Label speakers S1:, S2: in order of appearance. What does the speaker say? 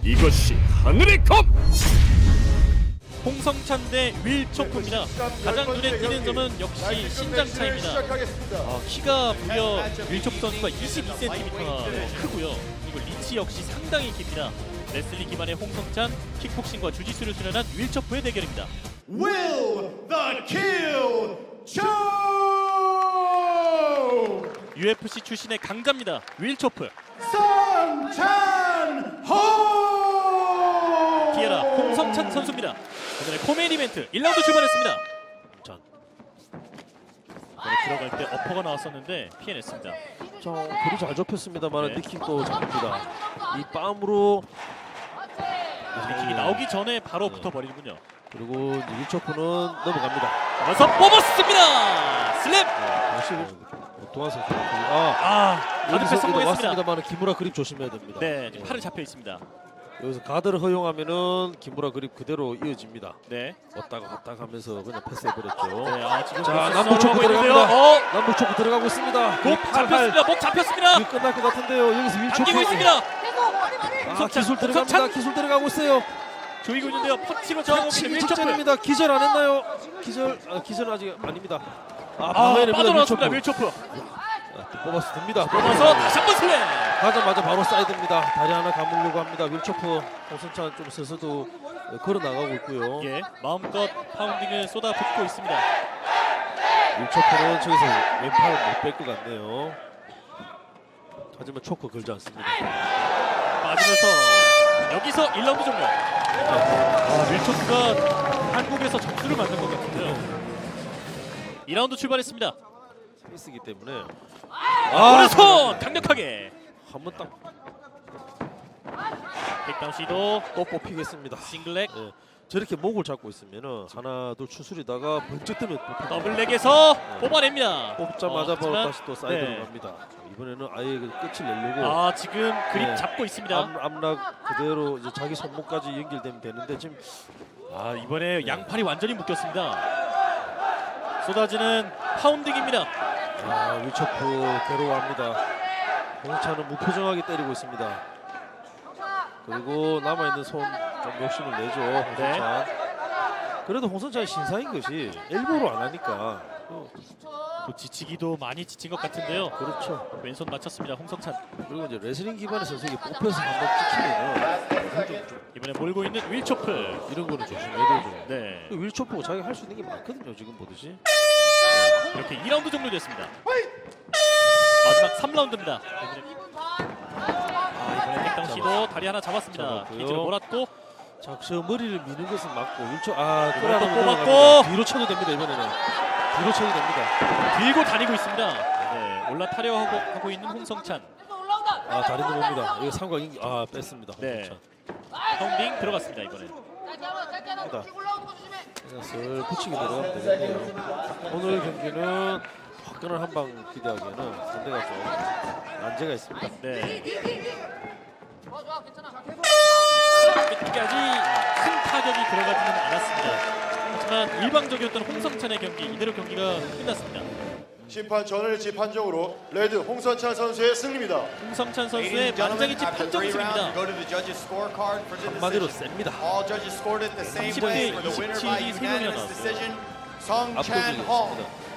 S1: 이것이 하늘의 검!
S2: 홍성찬 대 윌초프입니다. 가장 눈에 띄는 점은 역시 신장 차이입니다. 키가 무려 윌초프 선수가 22cm나 크고요. 그리고 리치 역시 상당히 깁니다. 레슬링 기반의 홍성찬, 킥복싱과 주짓수를 수련한 윌초프의 대결입니다.
S3: Will the Kill Show!
S2: UFC 출신의 강자입니다. 윌초프.
S3: 성찬호!
S2: 티에라 홍성찬 선수입니다. 오늘의 코메인 이벤트 1라운드 출발했습니다. 전 들어갈 때 어퍼가 나왔었는데 피해냈습니다.
S4: 자, 거리 잘 좁혔습니다만
S2: 네.
S4: 니킥도 잡힙니다. 이 빰으로
S2: 킥이 나오기 전에 바로 붙어버리는군요.
S4: 그리고 윌초프는 넘어갑니다.
S2: 그래서 뽑았습니다. 슬랩.
S4: 다시 동안 선수
S2: 가드패
S4: 여기서
S2: 성공했습니다.
S4: 왔습니다만 기무라 그립 조심해야 됩니다.
S2: 네, 지금 팔을 잡혀 있습니다.
S4: 여기서 가드를 허용하면은 기무라 그립 그대로 이어집니다.
S2: 네.
S4: 왔다가 갔다가 하면서 그냥 패스해버렸죠.
S2: 네, 지금
S4: 자,
S2: 벌써
S4: 남북 초크
S2: 싸움하고 있는데요.
S4: 들어갑니다. 남북 초크 들어가고 있습니다.
S2: 목 잡혔습니다. 목 잡혔습니다.
S4: 이거 끝날 것 같은데요. 여기서 윌초프
S2: 당기고 있습니다.
S4: 기술 들어갑니다.
S2: 성찬.
S4: 기술 들어가고 있어요.
S2: 조이고 있는데요. 펀치로 저항하고 있는
S4: 치기
S2: 윌초프.
S4: 직전입니다. 기절 안 했나요? 기절은 아직 아닙니다. 방해됩니다.
S2: 빠져나왔습니다. 윌초프.
S4: 뽑아서 듭니다.
S2: 뽑아서 다시 한번 슬랩.
S4: 가자마자 바로 사이드입니다. 다리 하나 감으려고 합니다. 윌초프 홍성찬 좀 서서도 걸어 나가고 있고요.
S2: 예, 마음껏 파운딩을 쏟아붓고 있습니다.
S4: 윌초프는 저기서 왼팔을 못 뺄 것 같네요. 하지만 초크 걸지 않습니다.
S2: 맞으면서 여기서 1라운드 종료. 윌초프가 한국에서 점수를 만든 것 같은데요. 2라운드 출발했습니다.
S4: 페이스이기 때문에
S2: 오른손 강력하게
S4: 한번 딱
S2: 킥다운 시도.
S4: 또 뽑히겠습니다.
S2: 싱글렉.
S4: 예, 저렇게 목을 잡고 있으면은 하나 둘 추스리다가 번쩍 뜨면
S2: 더블렉에서 뽑아냅니다.
S4: 뽑자마자 바로
S2: 하지만,
S4: 다시 또 사이드로
S2: 네.
S4: 갑니다. 이번에는 아예 그 끝을 내려고
S2: 지금 그립
S4: 네.
S2: 잡고 있습니다.
S4: 암락 그대로 이제 자기 손목까지 연결되면 되는데 지금
S2: 이번에 양팔이 완전히 묶였습니다. 쏟아지는 파운딩입니다.
S4: 윌초프 괴로워합니다. 홍찬은 무표정하게 때리고 있습니다. 그리고 남아있는 손 좀 욕심을 내죠. 홍성찬. 그래도 홍성찬이 신사인 것이 일부러 안 하니까
S2: 또 지치기도 많이 지친 것 같은데요.
S4: 그렇죠.
S2: 왼손 맞췄습니다. 홍성찬.
S4: 그리고 이제 레슬링 기반의 선수에게 뽑혀서 한번 찍히면은 좀
S2: 이번에 몰고 있는 윌초프.
S4: 이런 거는 조심해야 되죠.
S2: 네,
S4: 윌초프가 자기가 할 수 있는 게 많거든요. 지금 보듯이.
S2: 이렇게 2라운드 종료됐습니다. 마지막 3라운드입니다. 이번에 택당 시도 다리 하나 잡았습니다.
S4: 잡았고요.
S2: 기지를 몰았고
S4: 자, 저 머리를 미는 것은 맞고 윌초
S2: 끌어도
S4: 끌어도
S2: 뽑았고.
S4: 뒤로 쳐도 됩니다. 이번에는 뒤로 쳐도 됩니다.
S2: 들고 다니고 있습니다. 네, 올라타려 하고 있는 홍성찬.
S4: 다리 넘어옵니다. 이거 삼각 뺐습니다.
S2: 네.
S4: 홍성찬.
S2: 파운딩 들어갔습니다. 이번에.
S4: 슬 붙이게 들어가면 되겠네요. 오늘 경기는 화끈한 한방 기대하기에는 상대가 좀 난제가 있습니다.
S2: 네. 끝까지 큰 타격이 들어가지는 않았습니다. 하지만 일방적이었던 홍성찬의 경기, 이대로 경기가 끝났습니다.
S3: 심판 전을지 판정으로 레드 홍선찬 선수의 승리입니다.
S2: 홍성찬 선수의 만장일치 판정승입니다.
S4: 한마디로 셉니다.
S2: 30대 27이 3명이나 나왔어요.
S3: 성찬호
S4: 압도적이었습니다.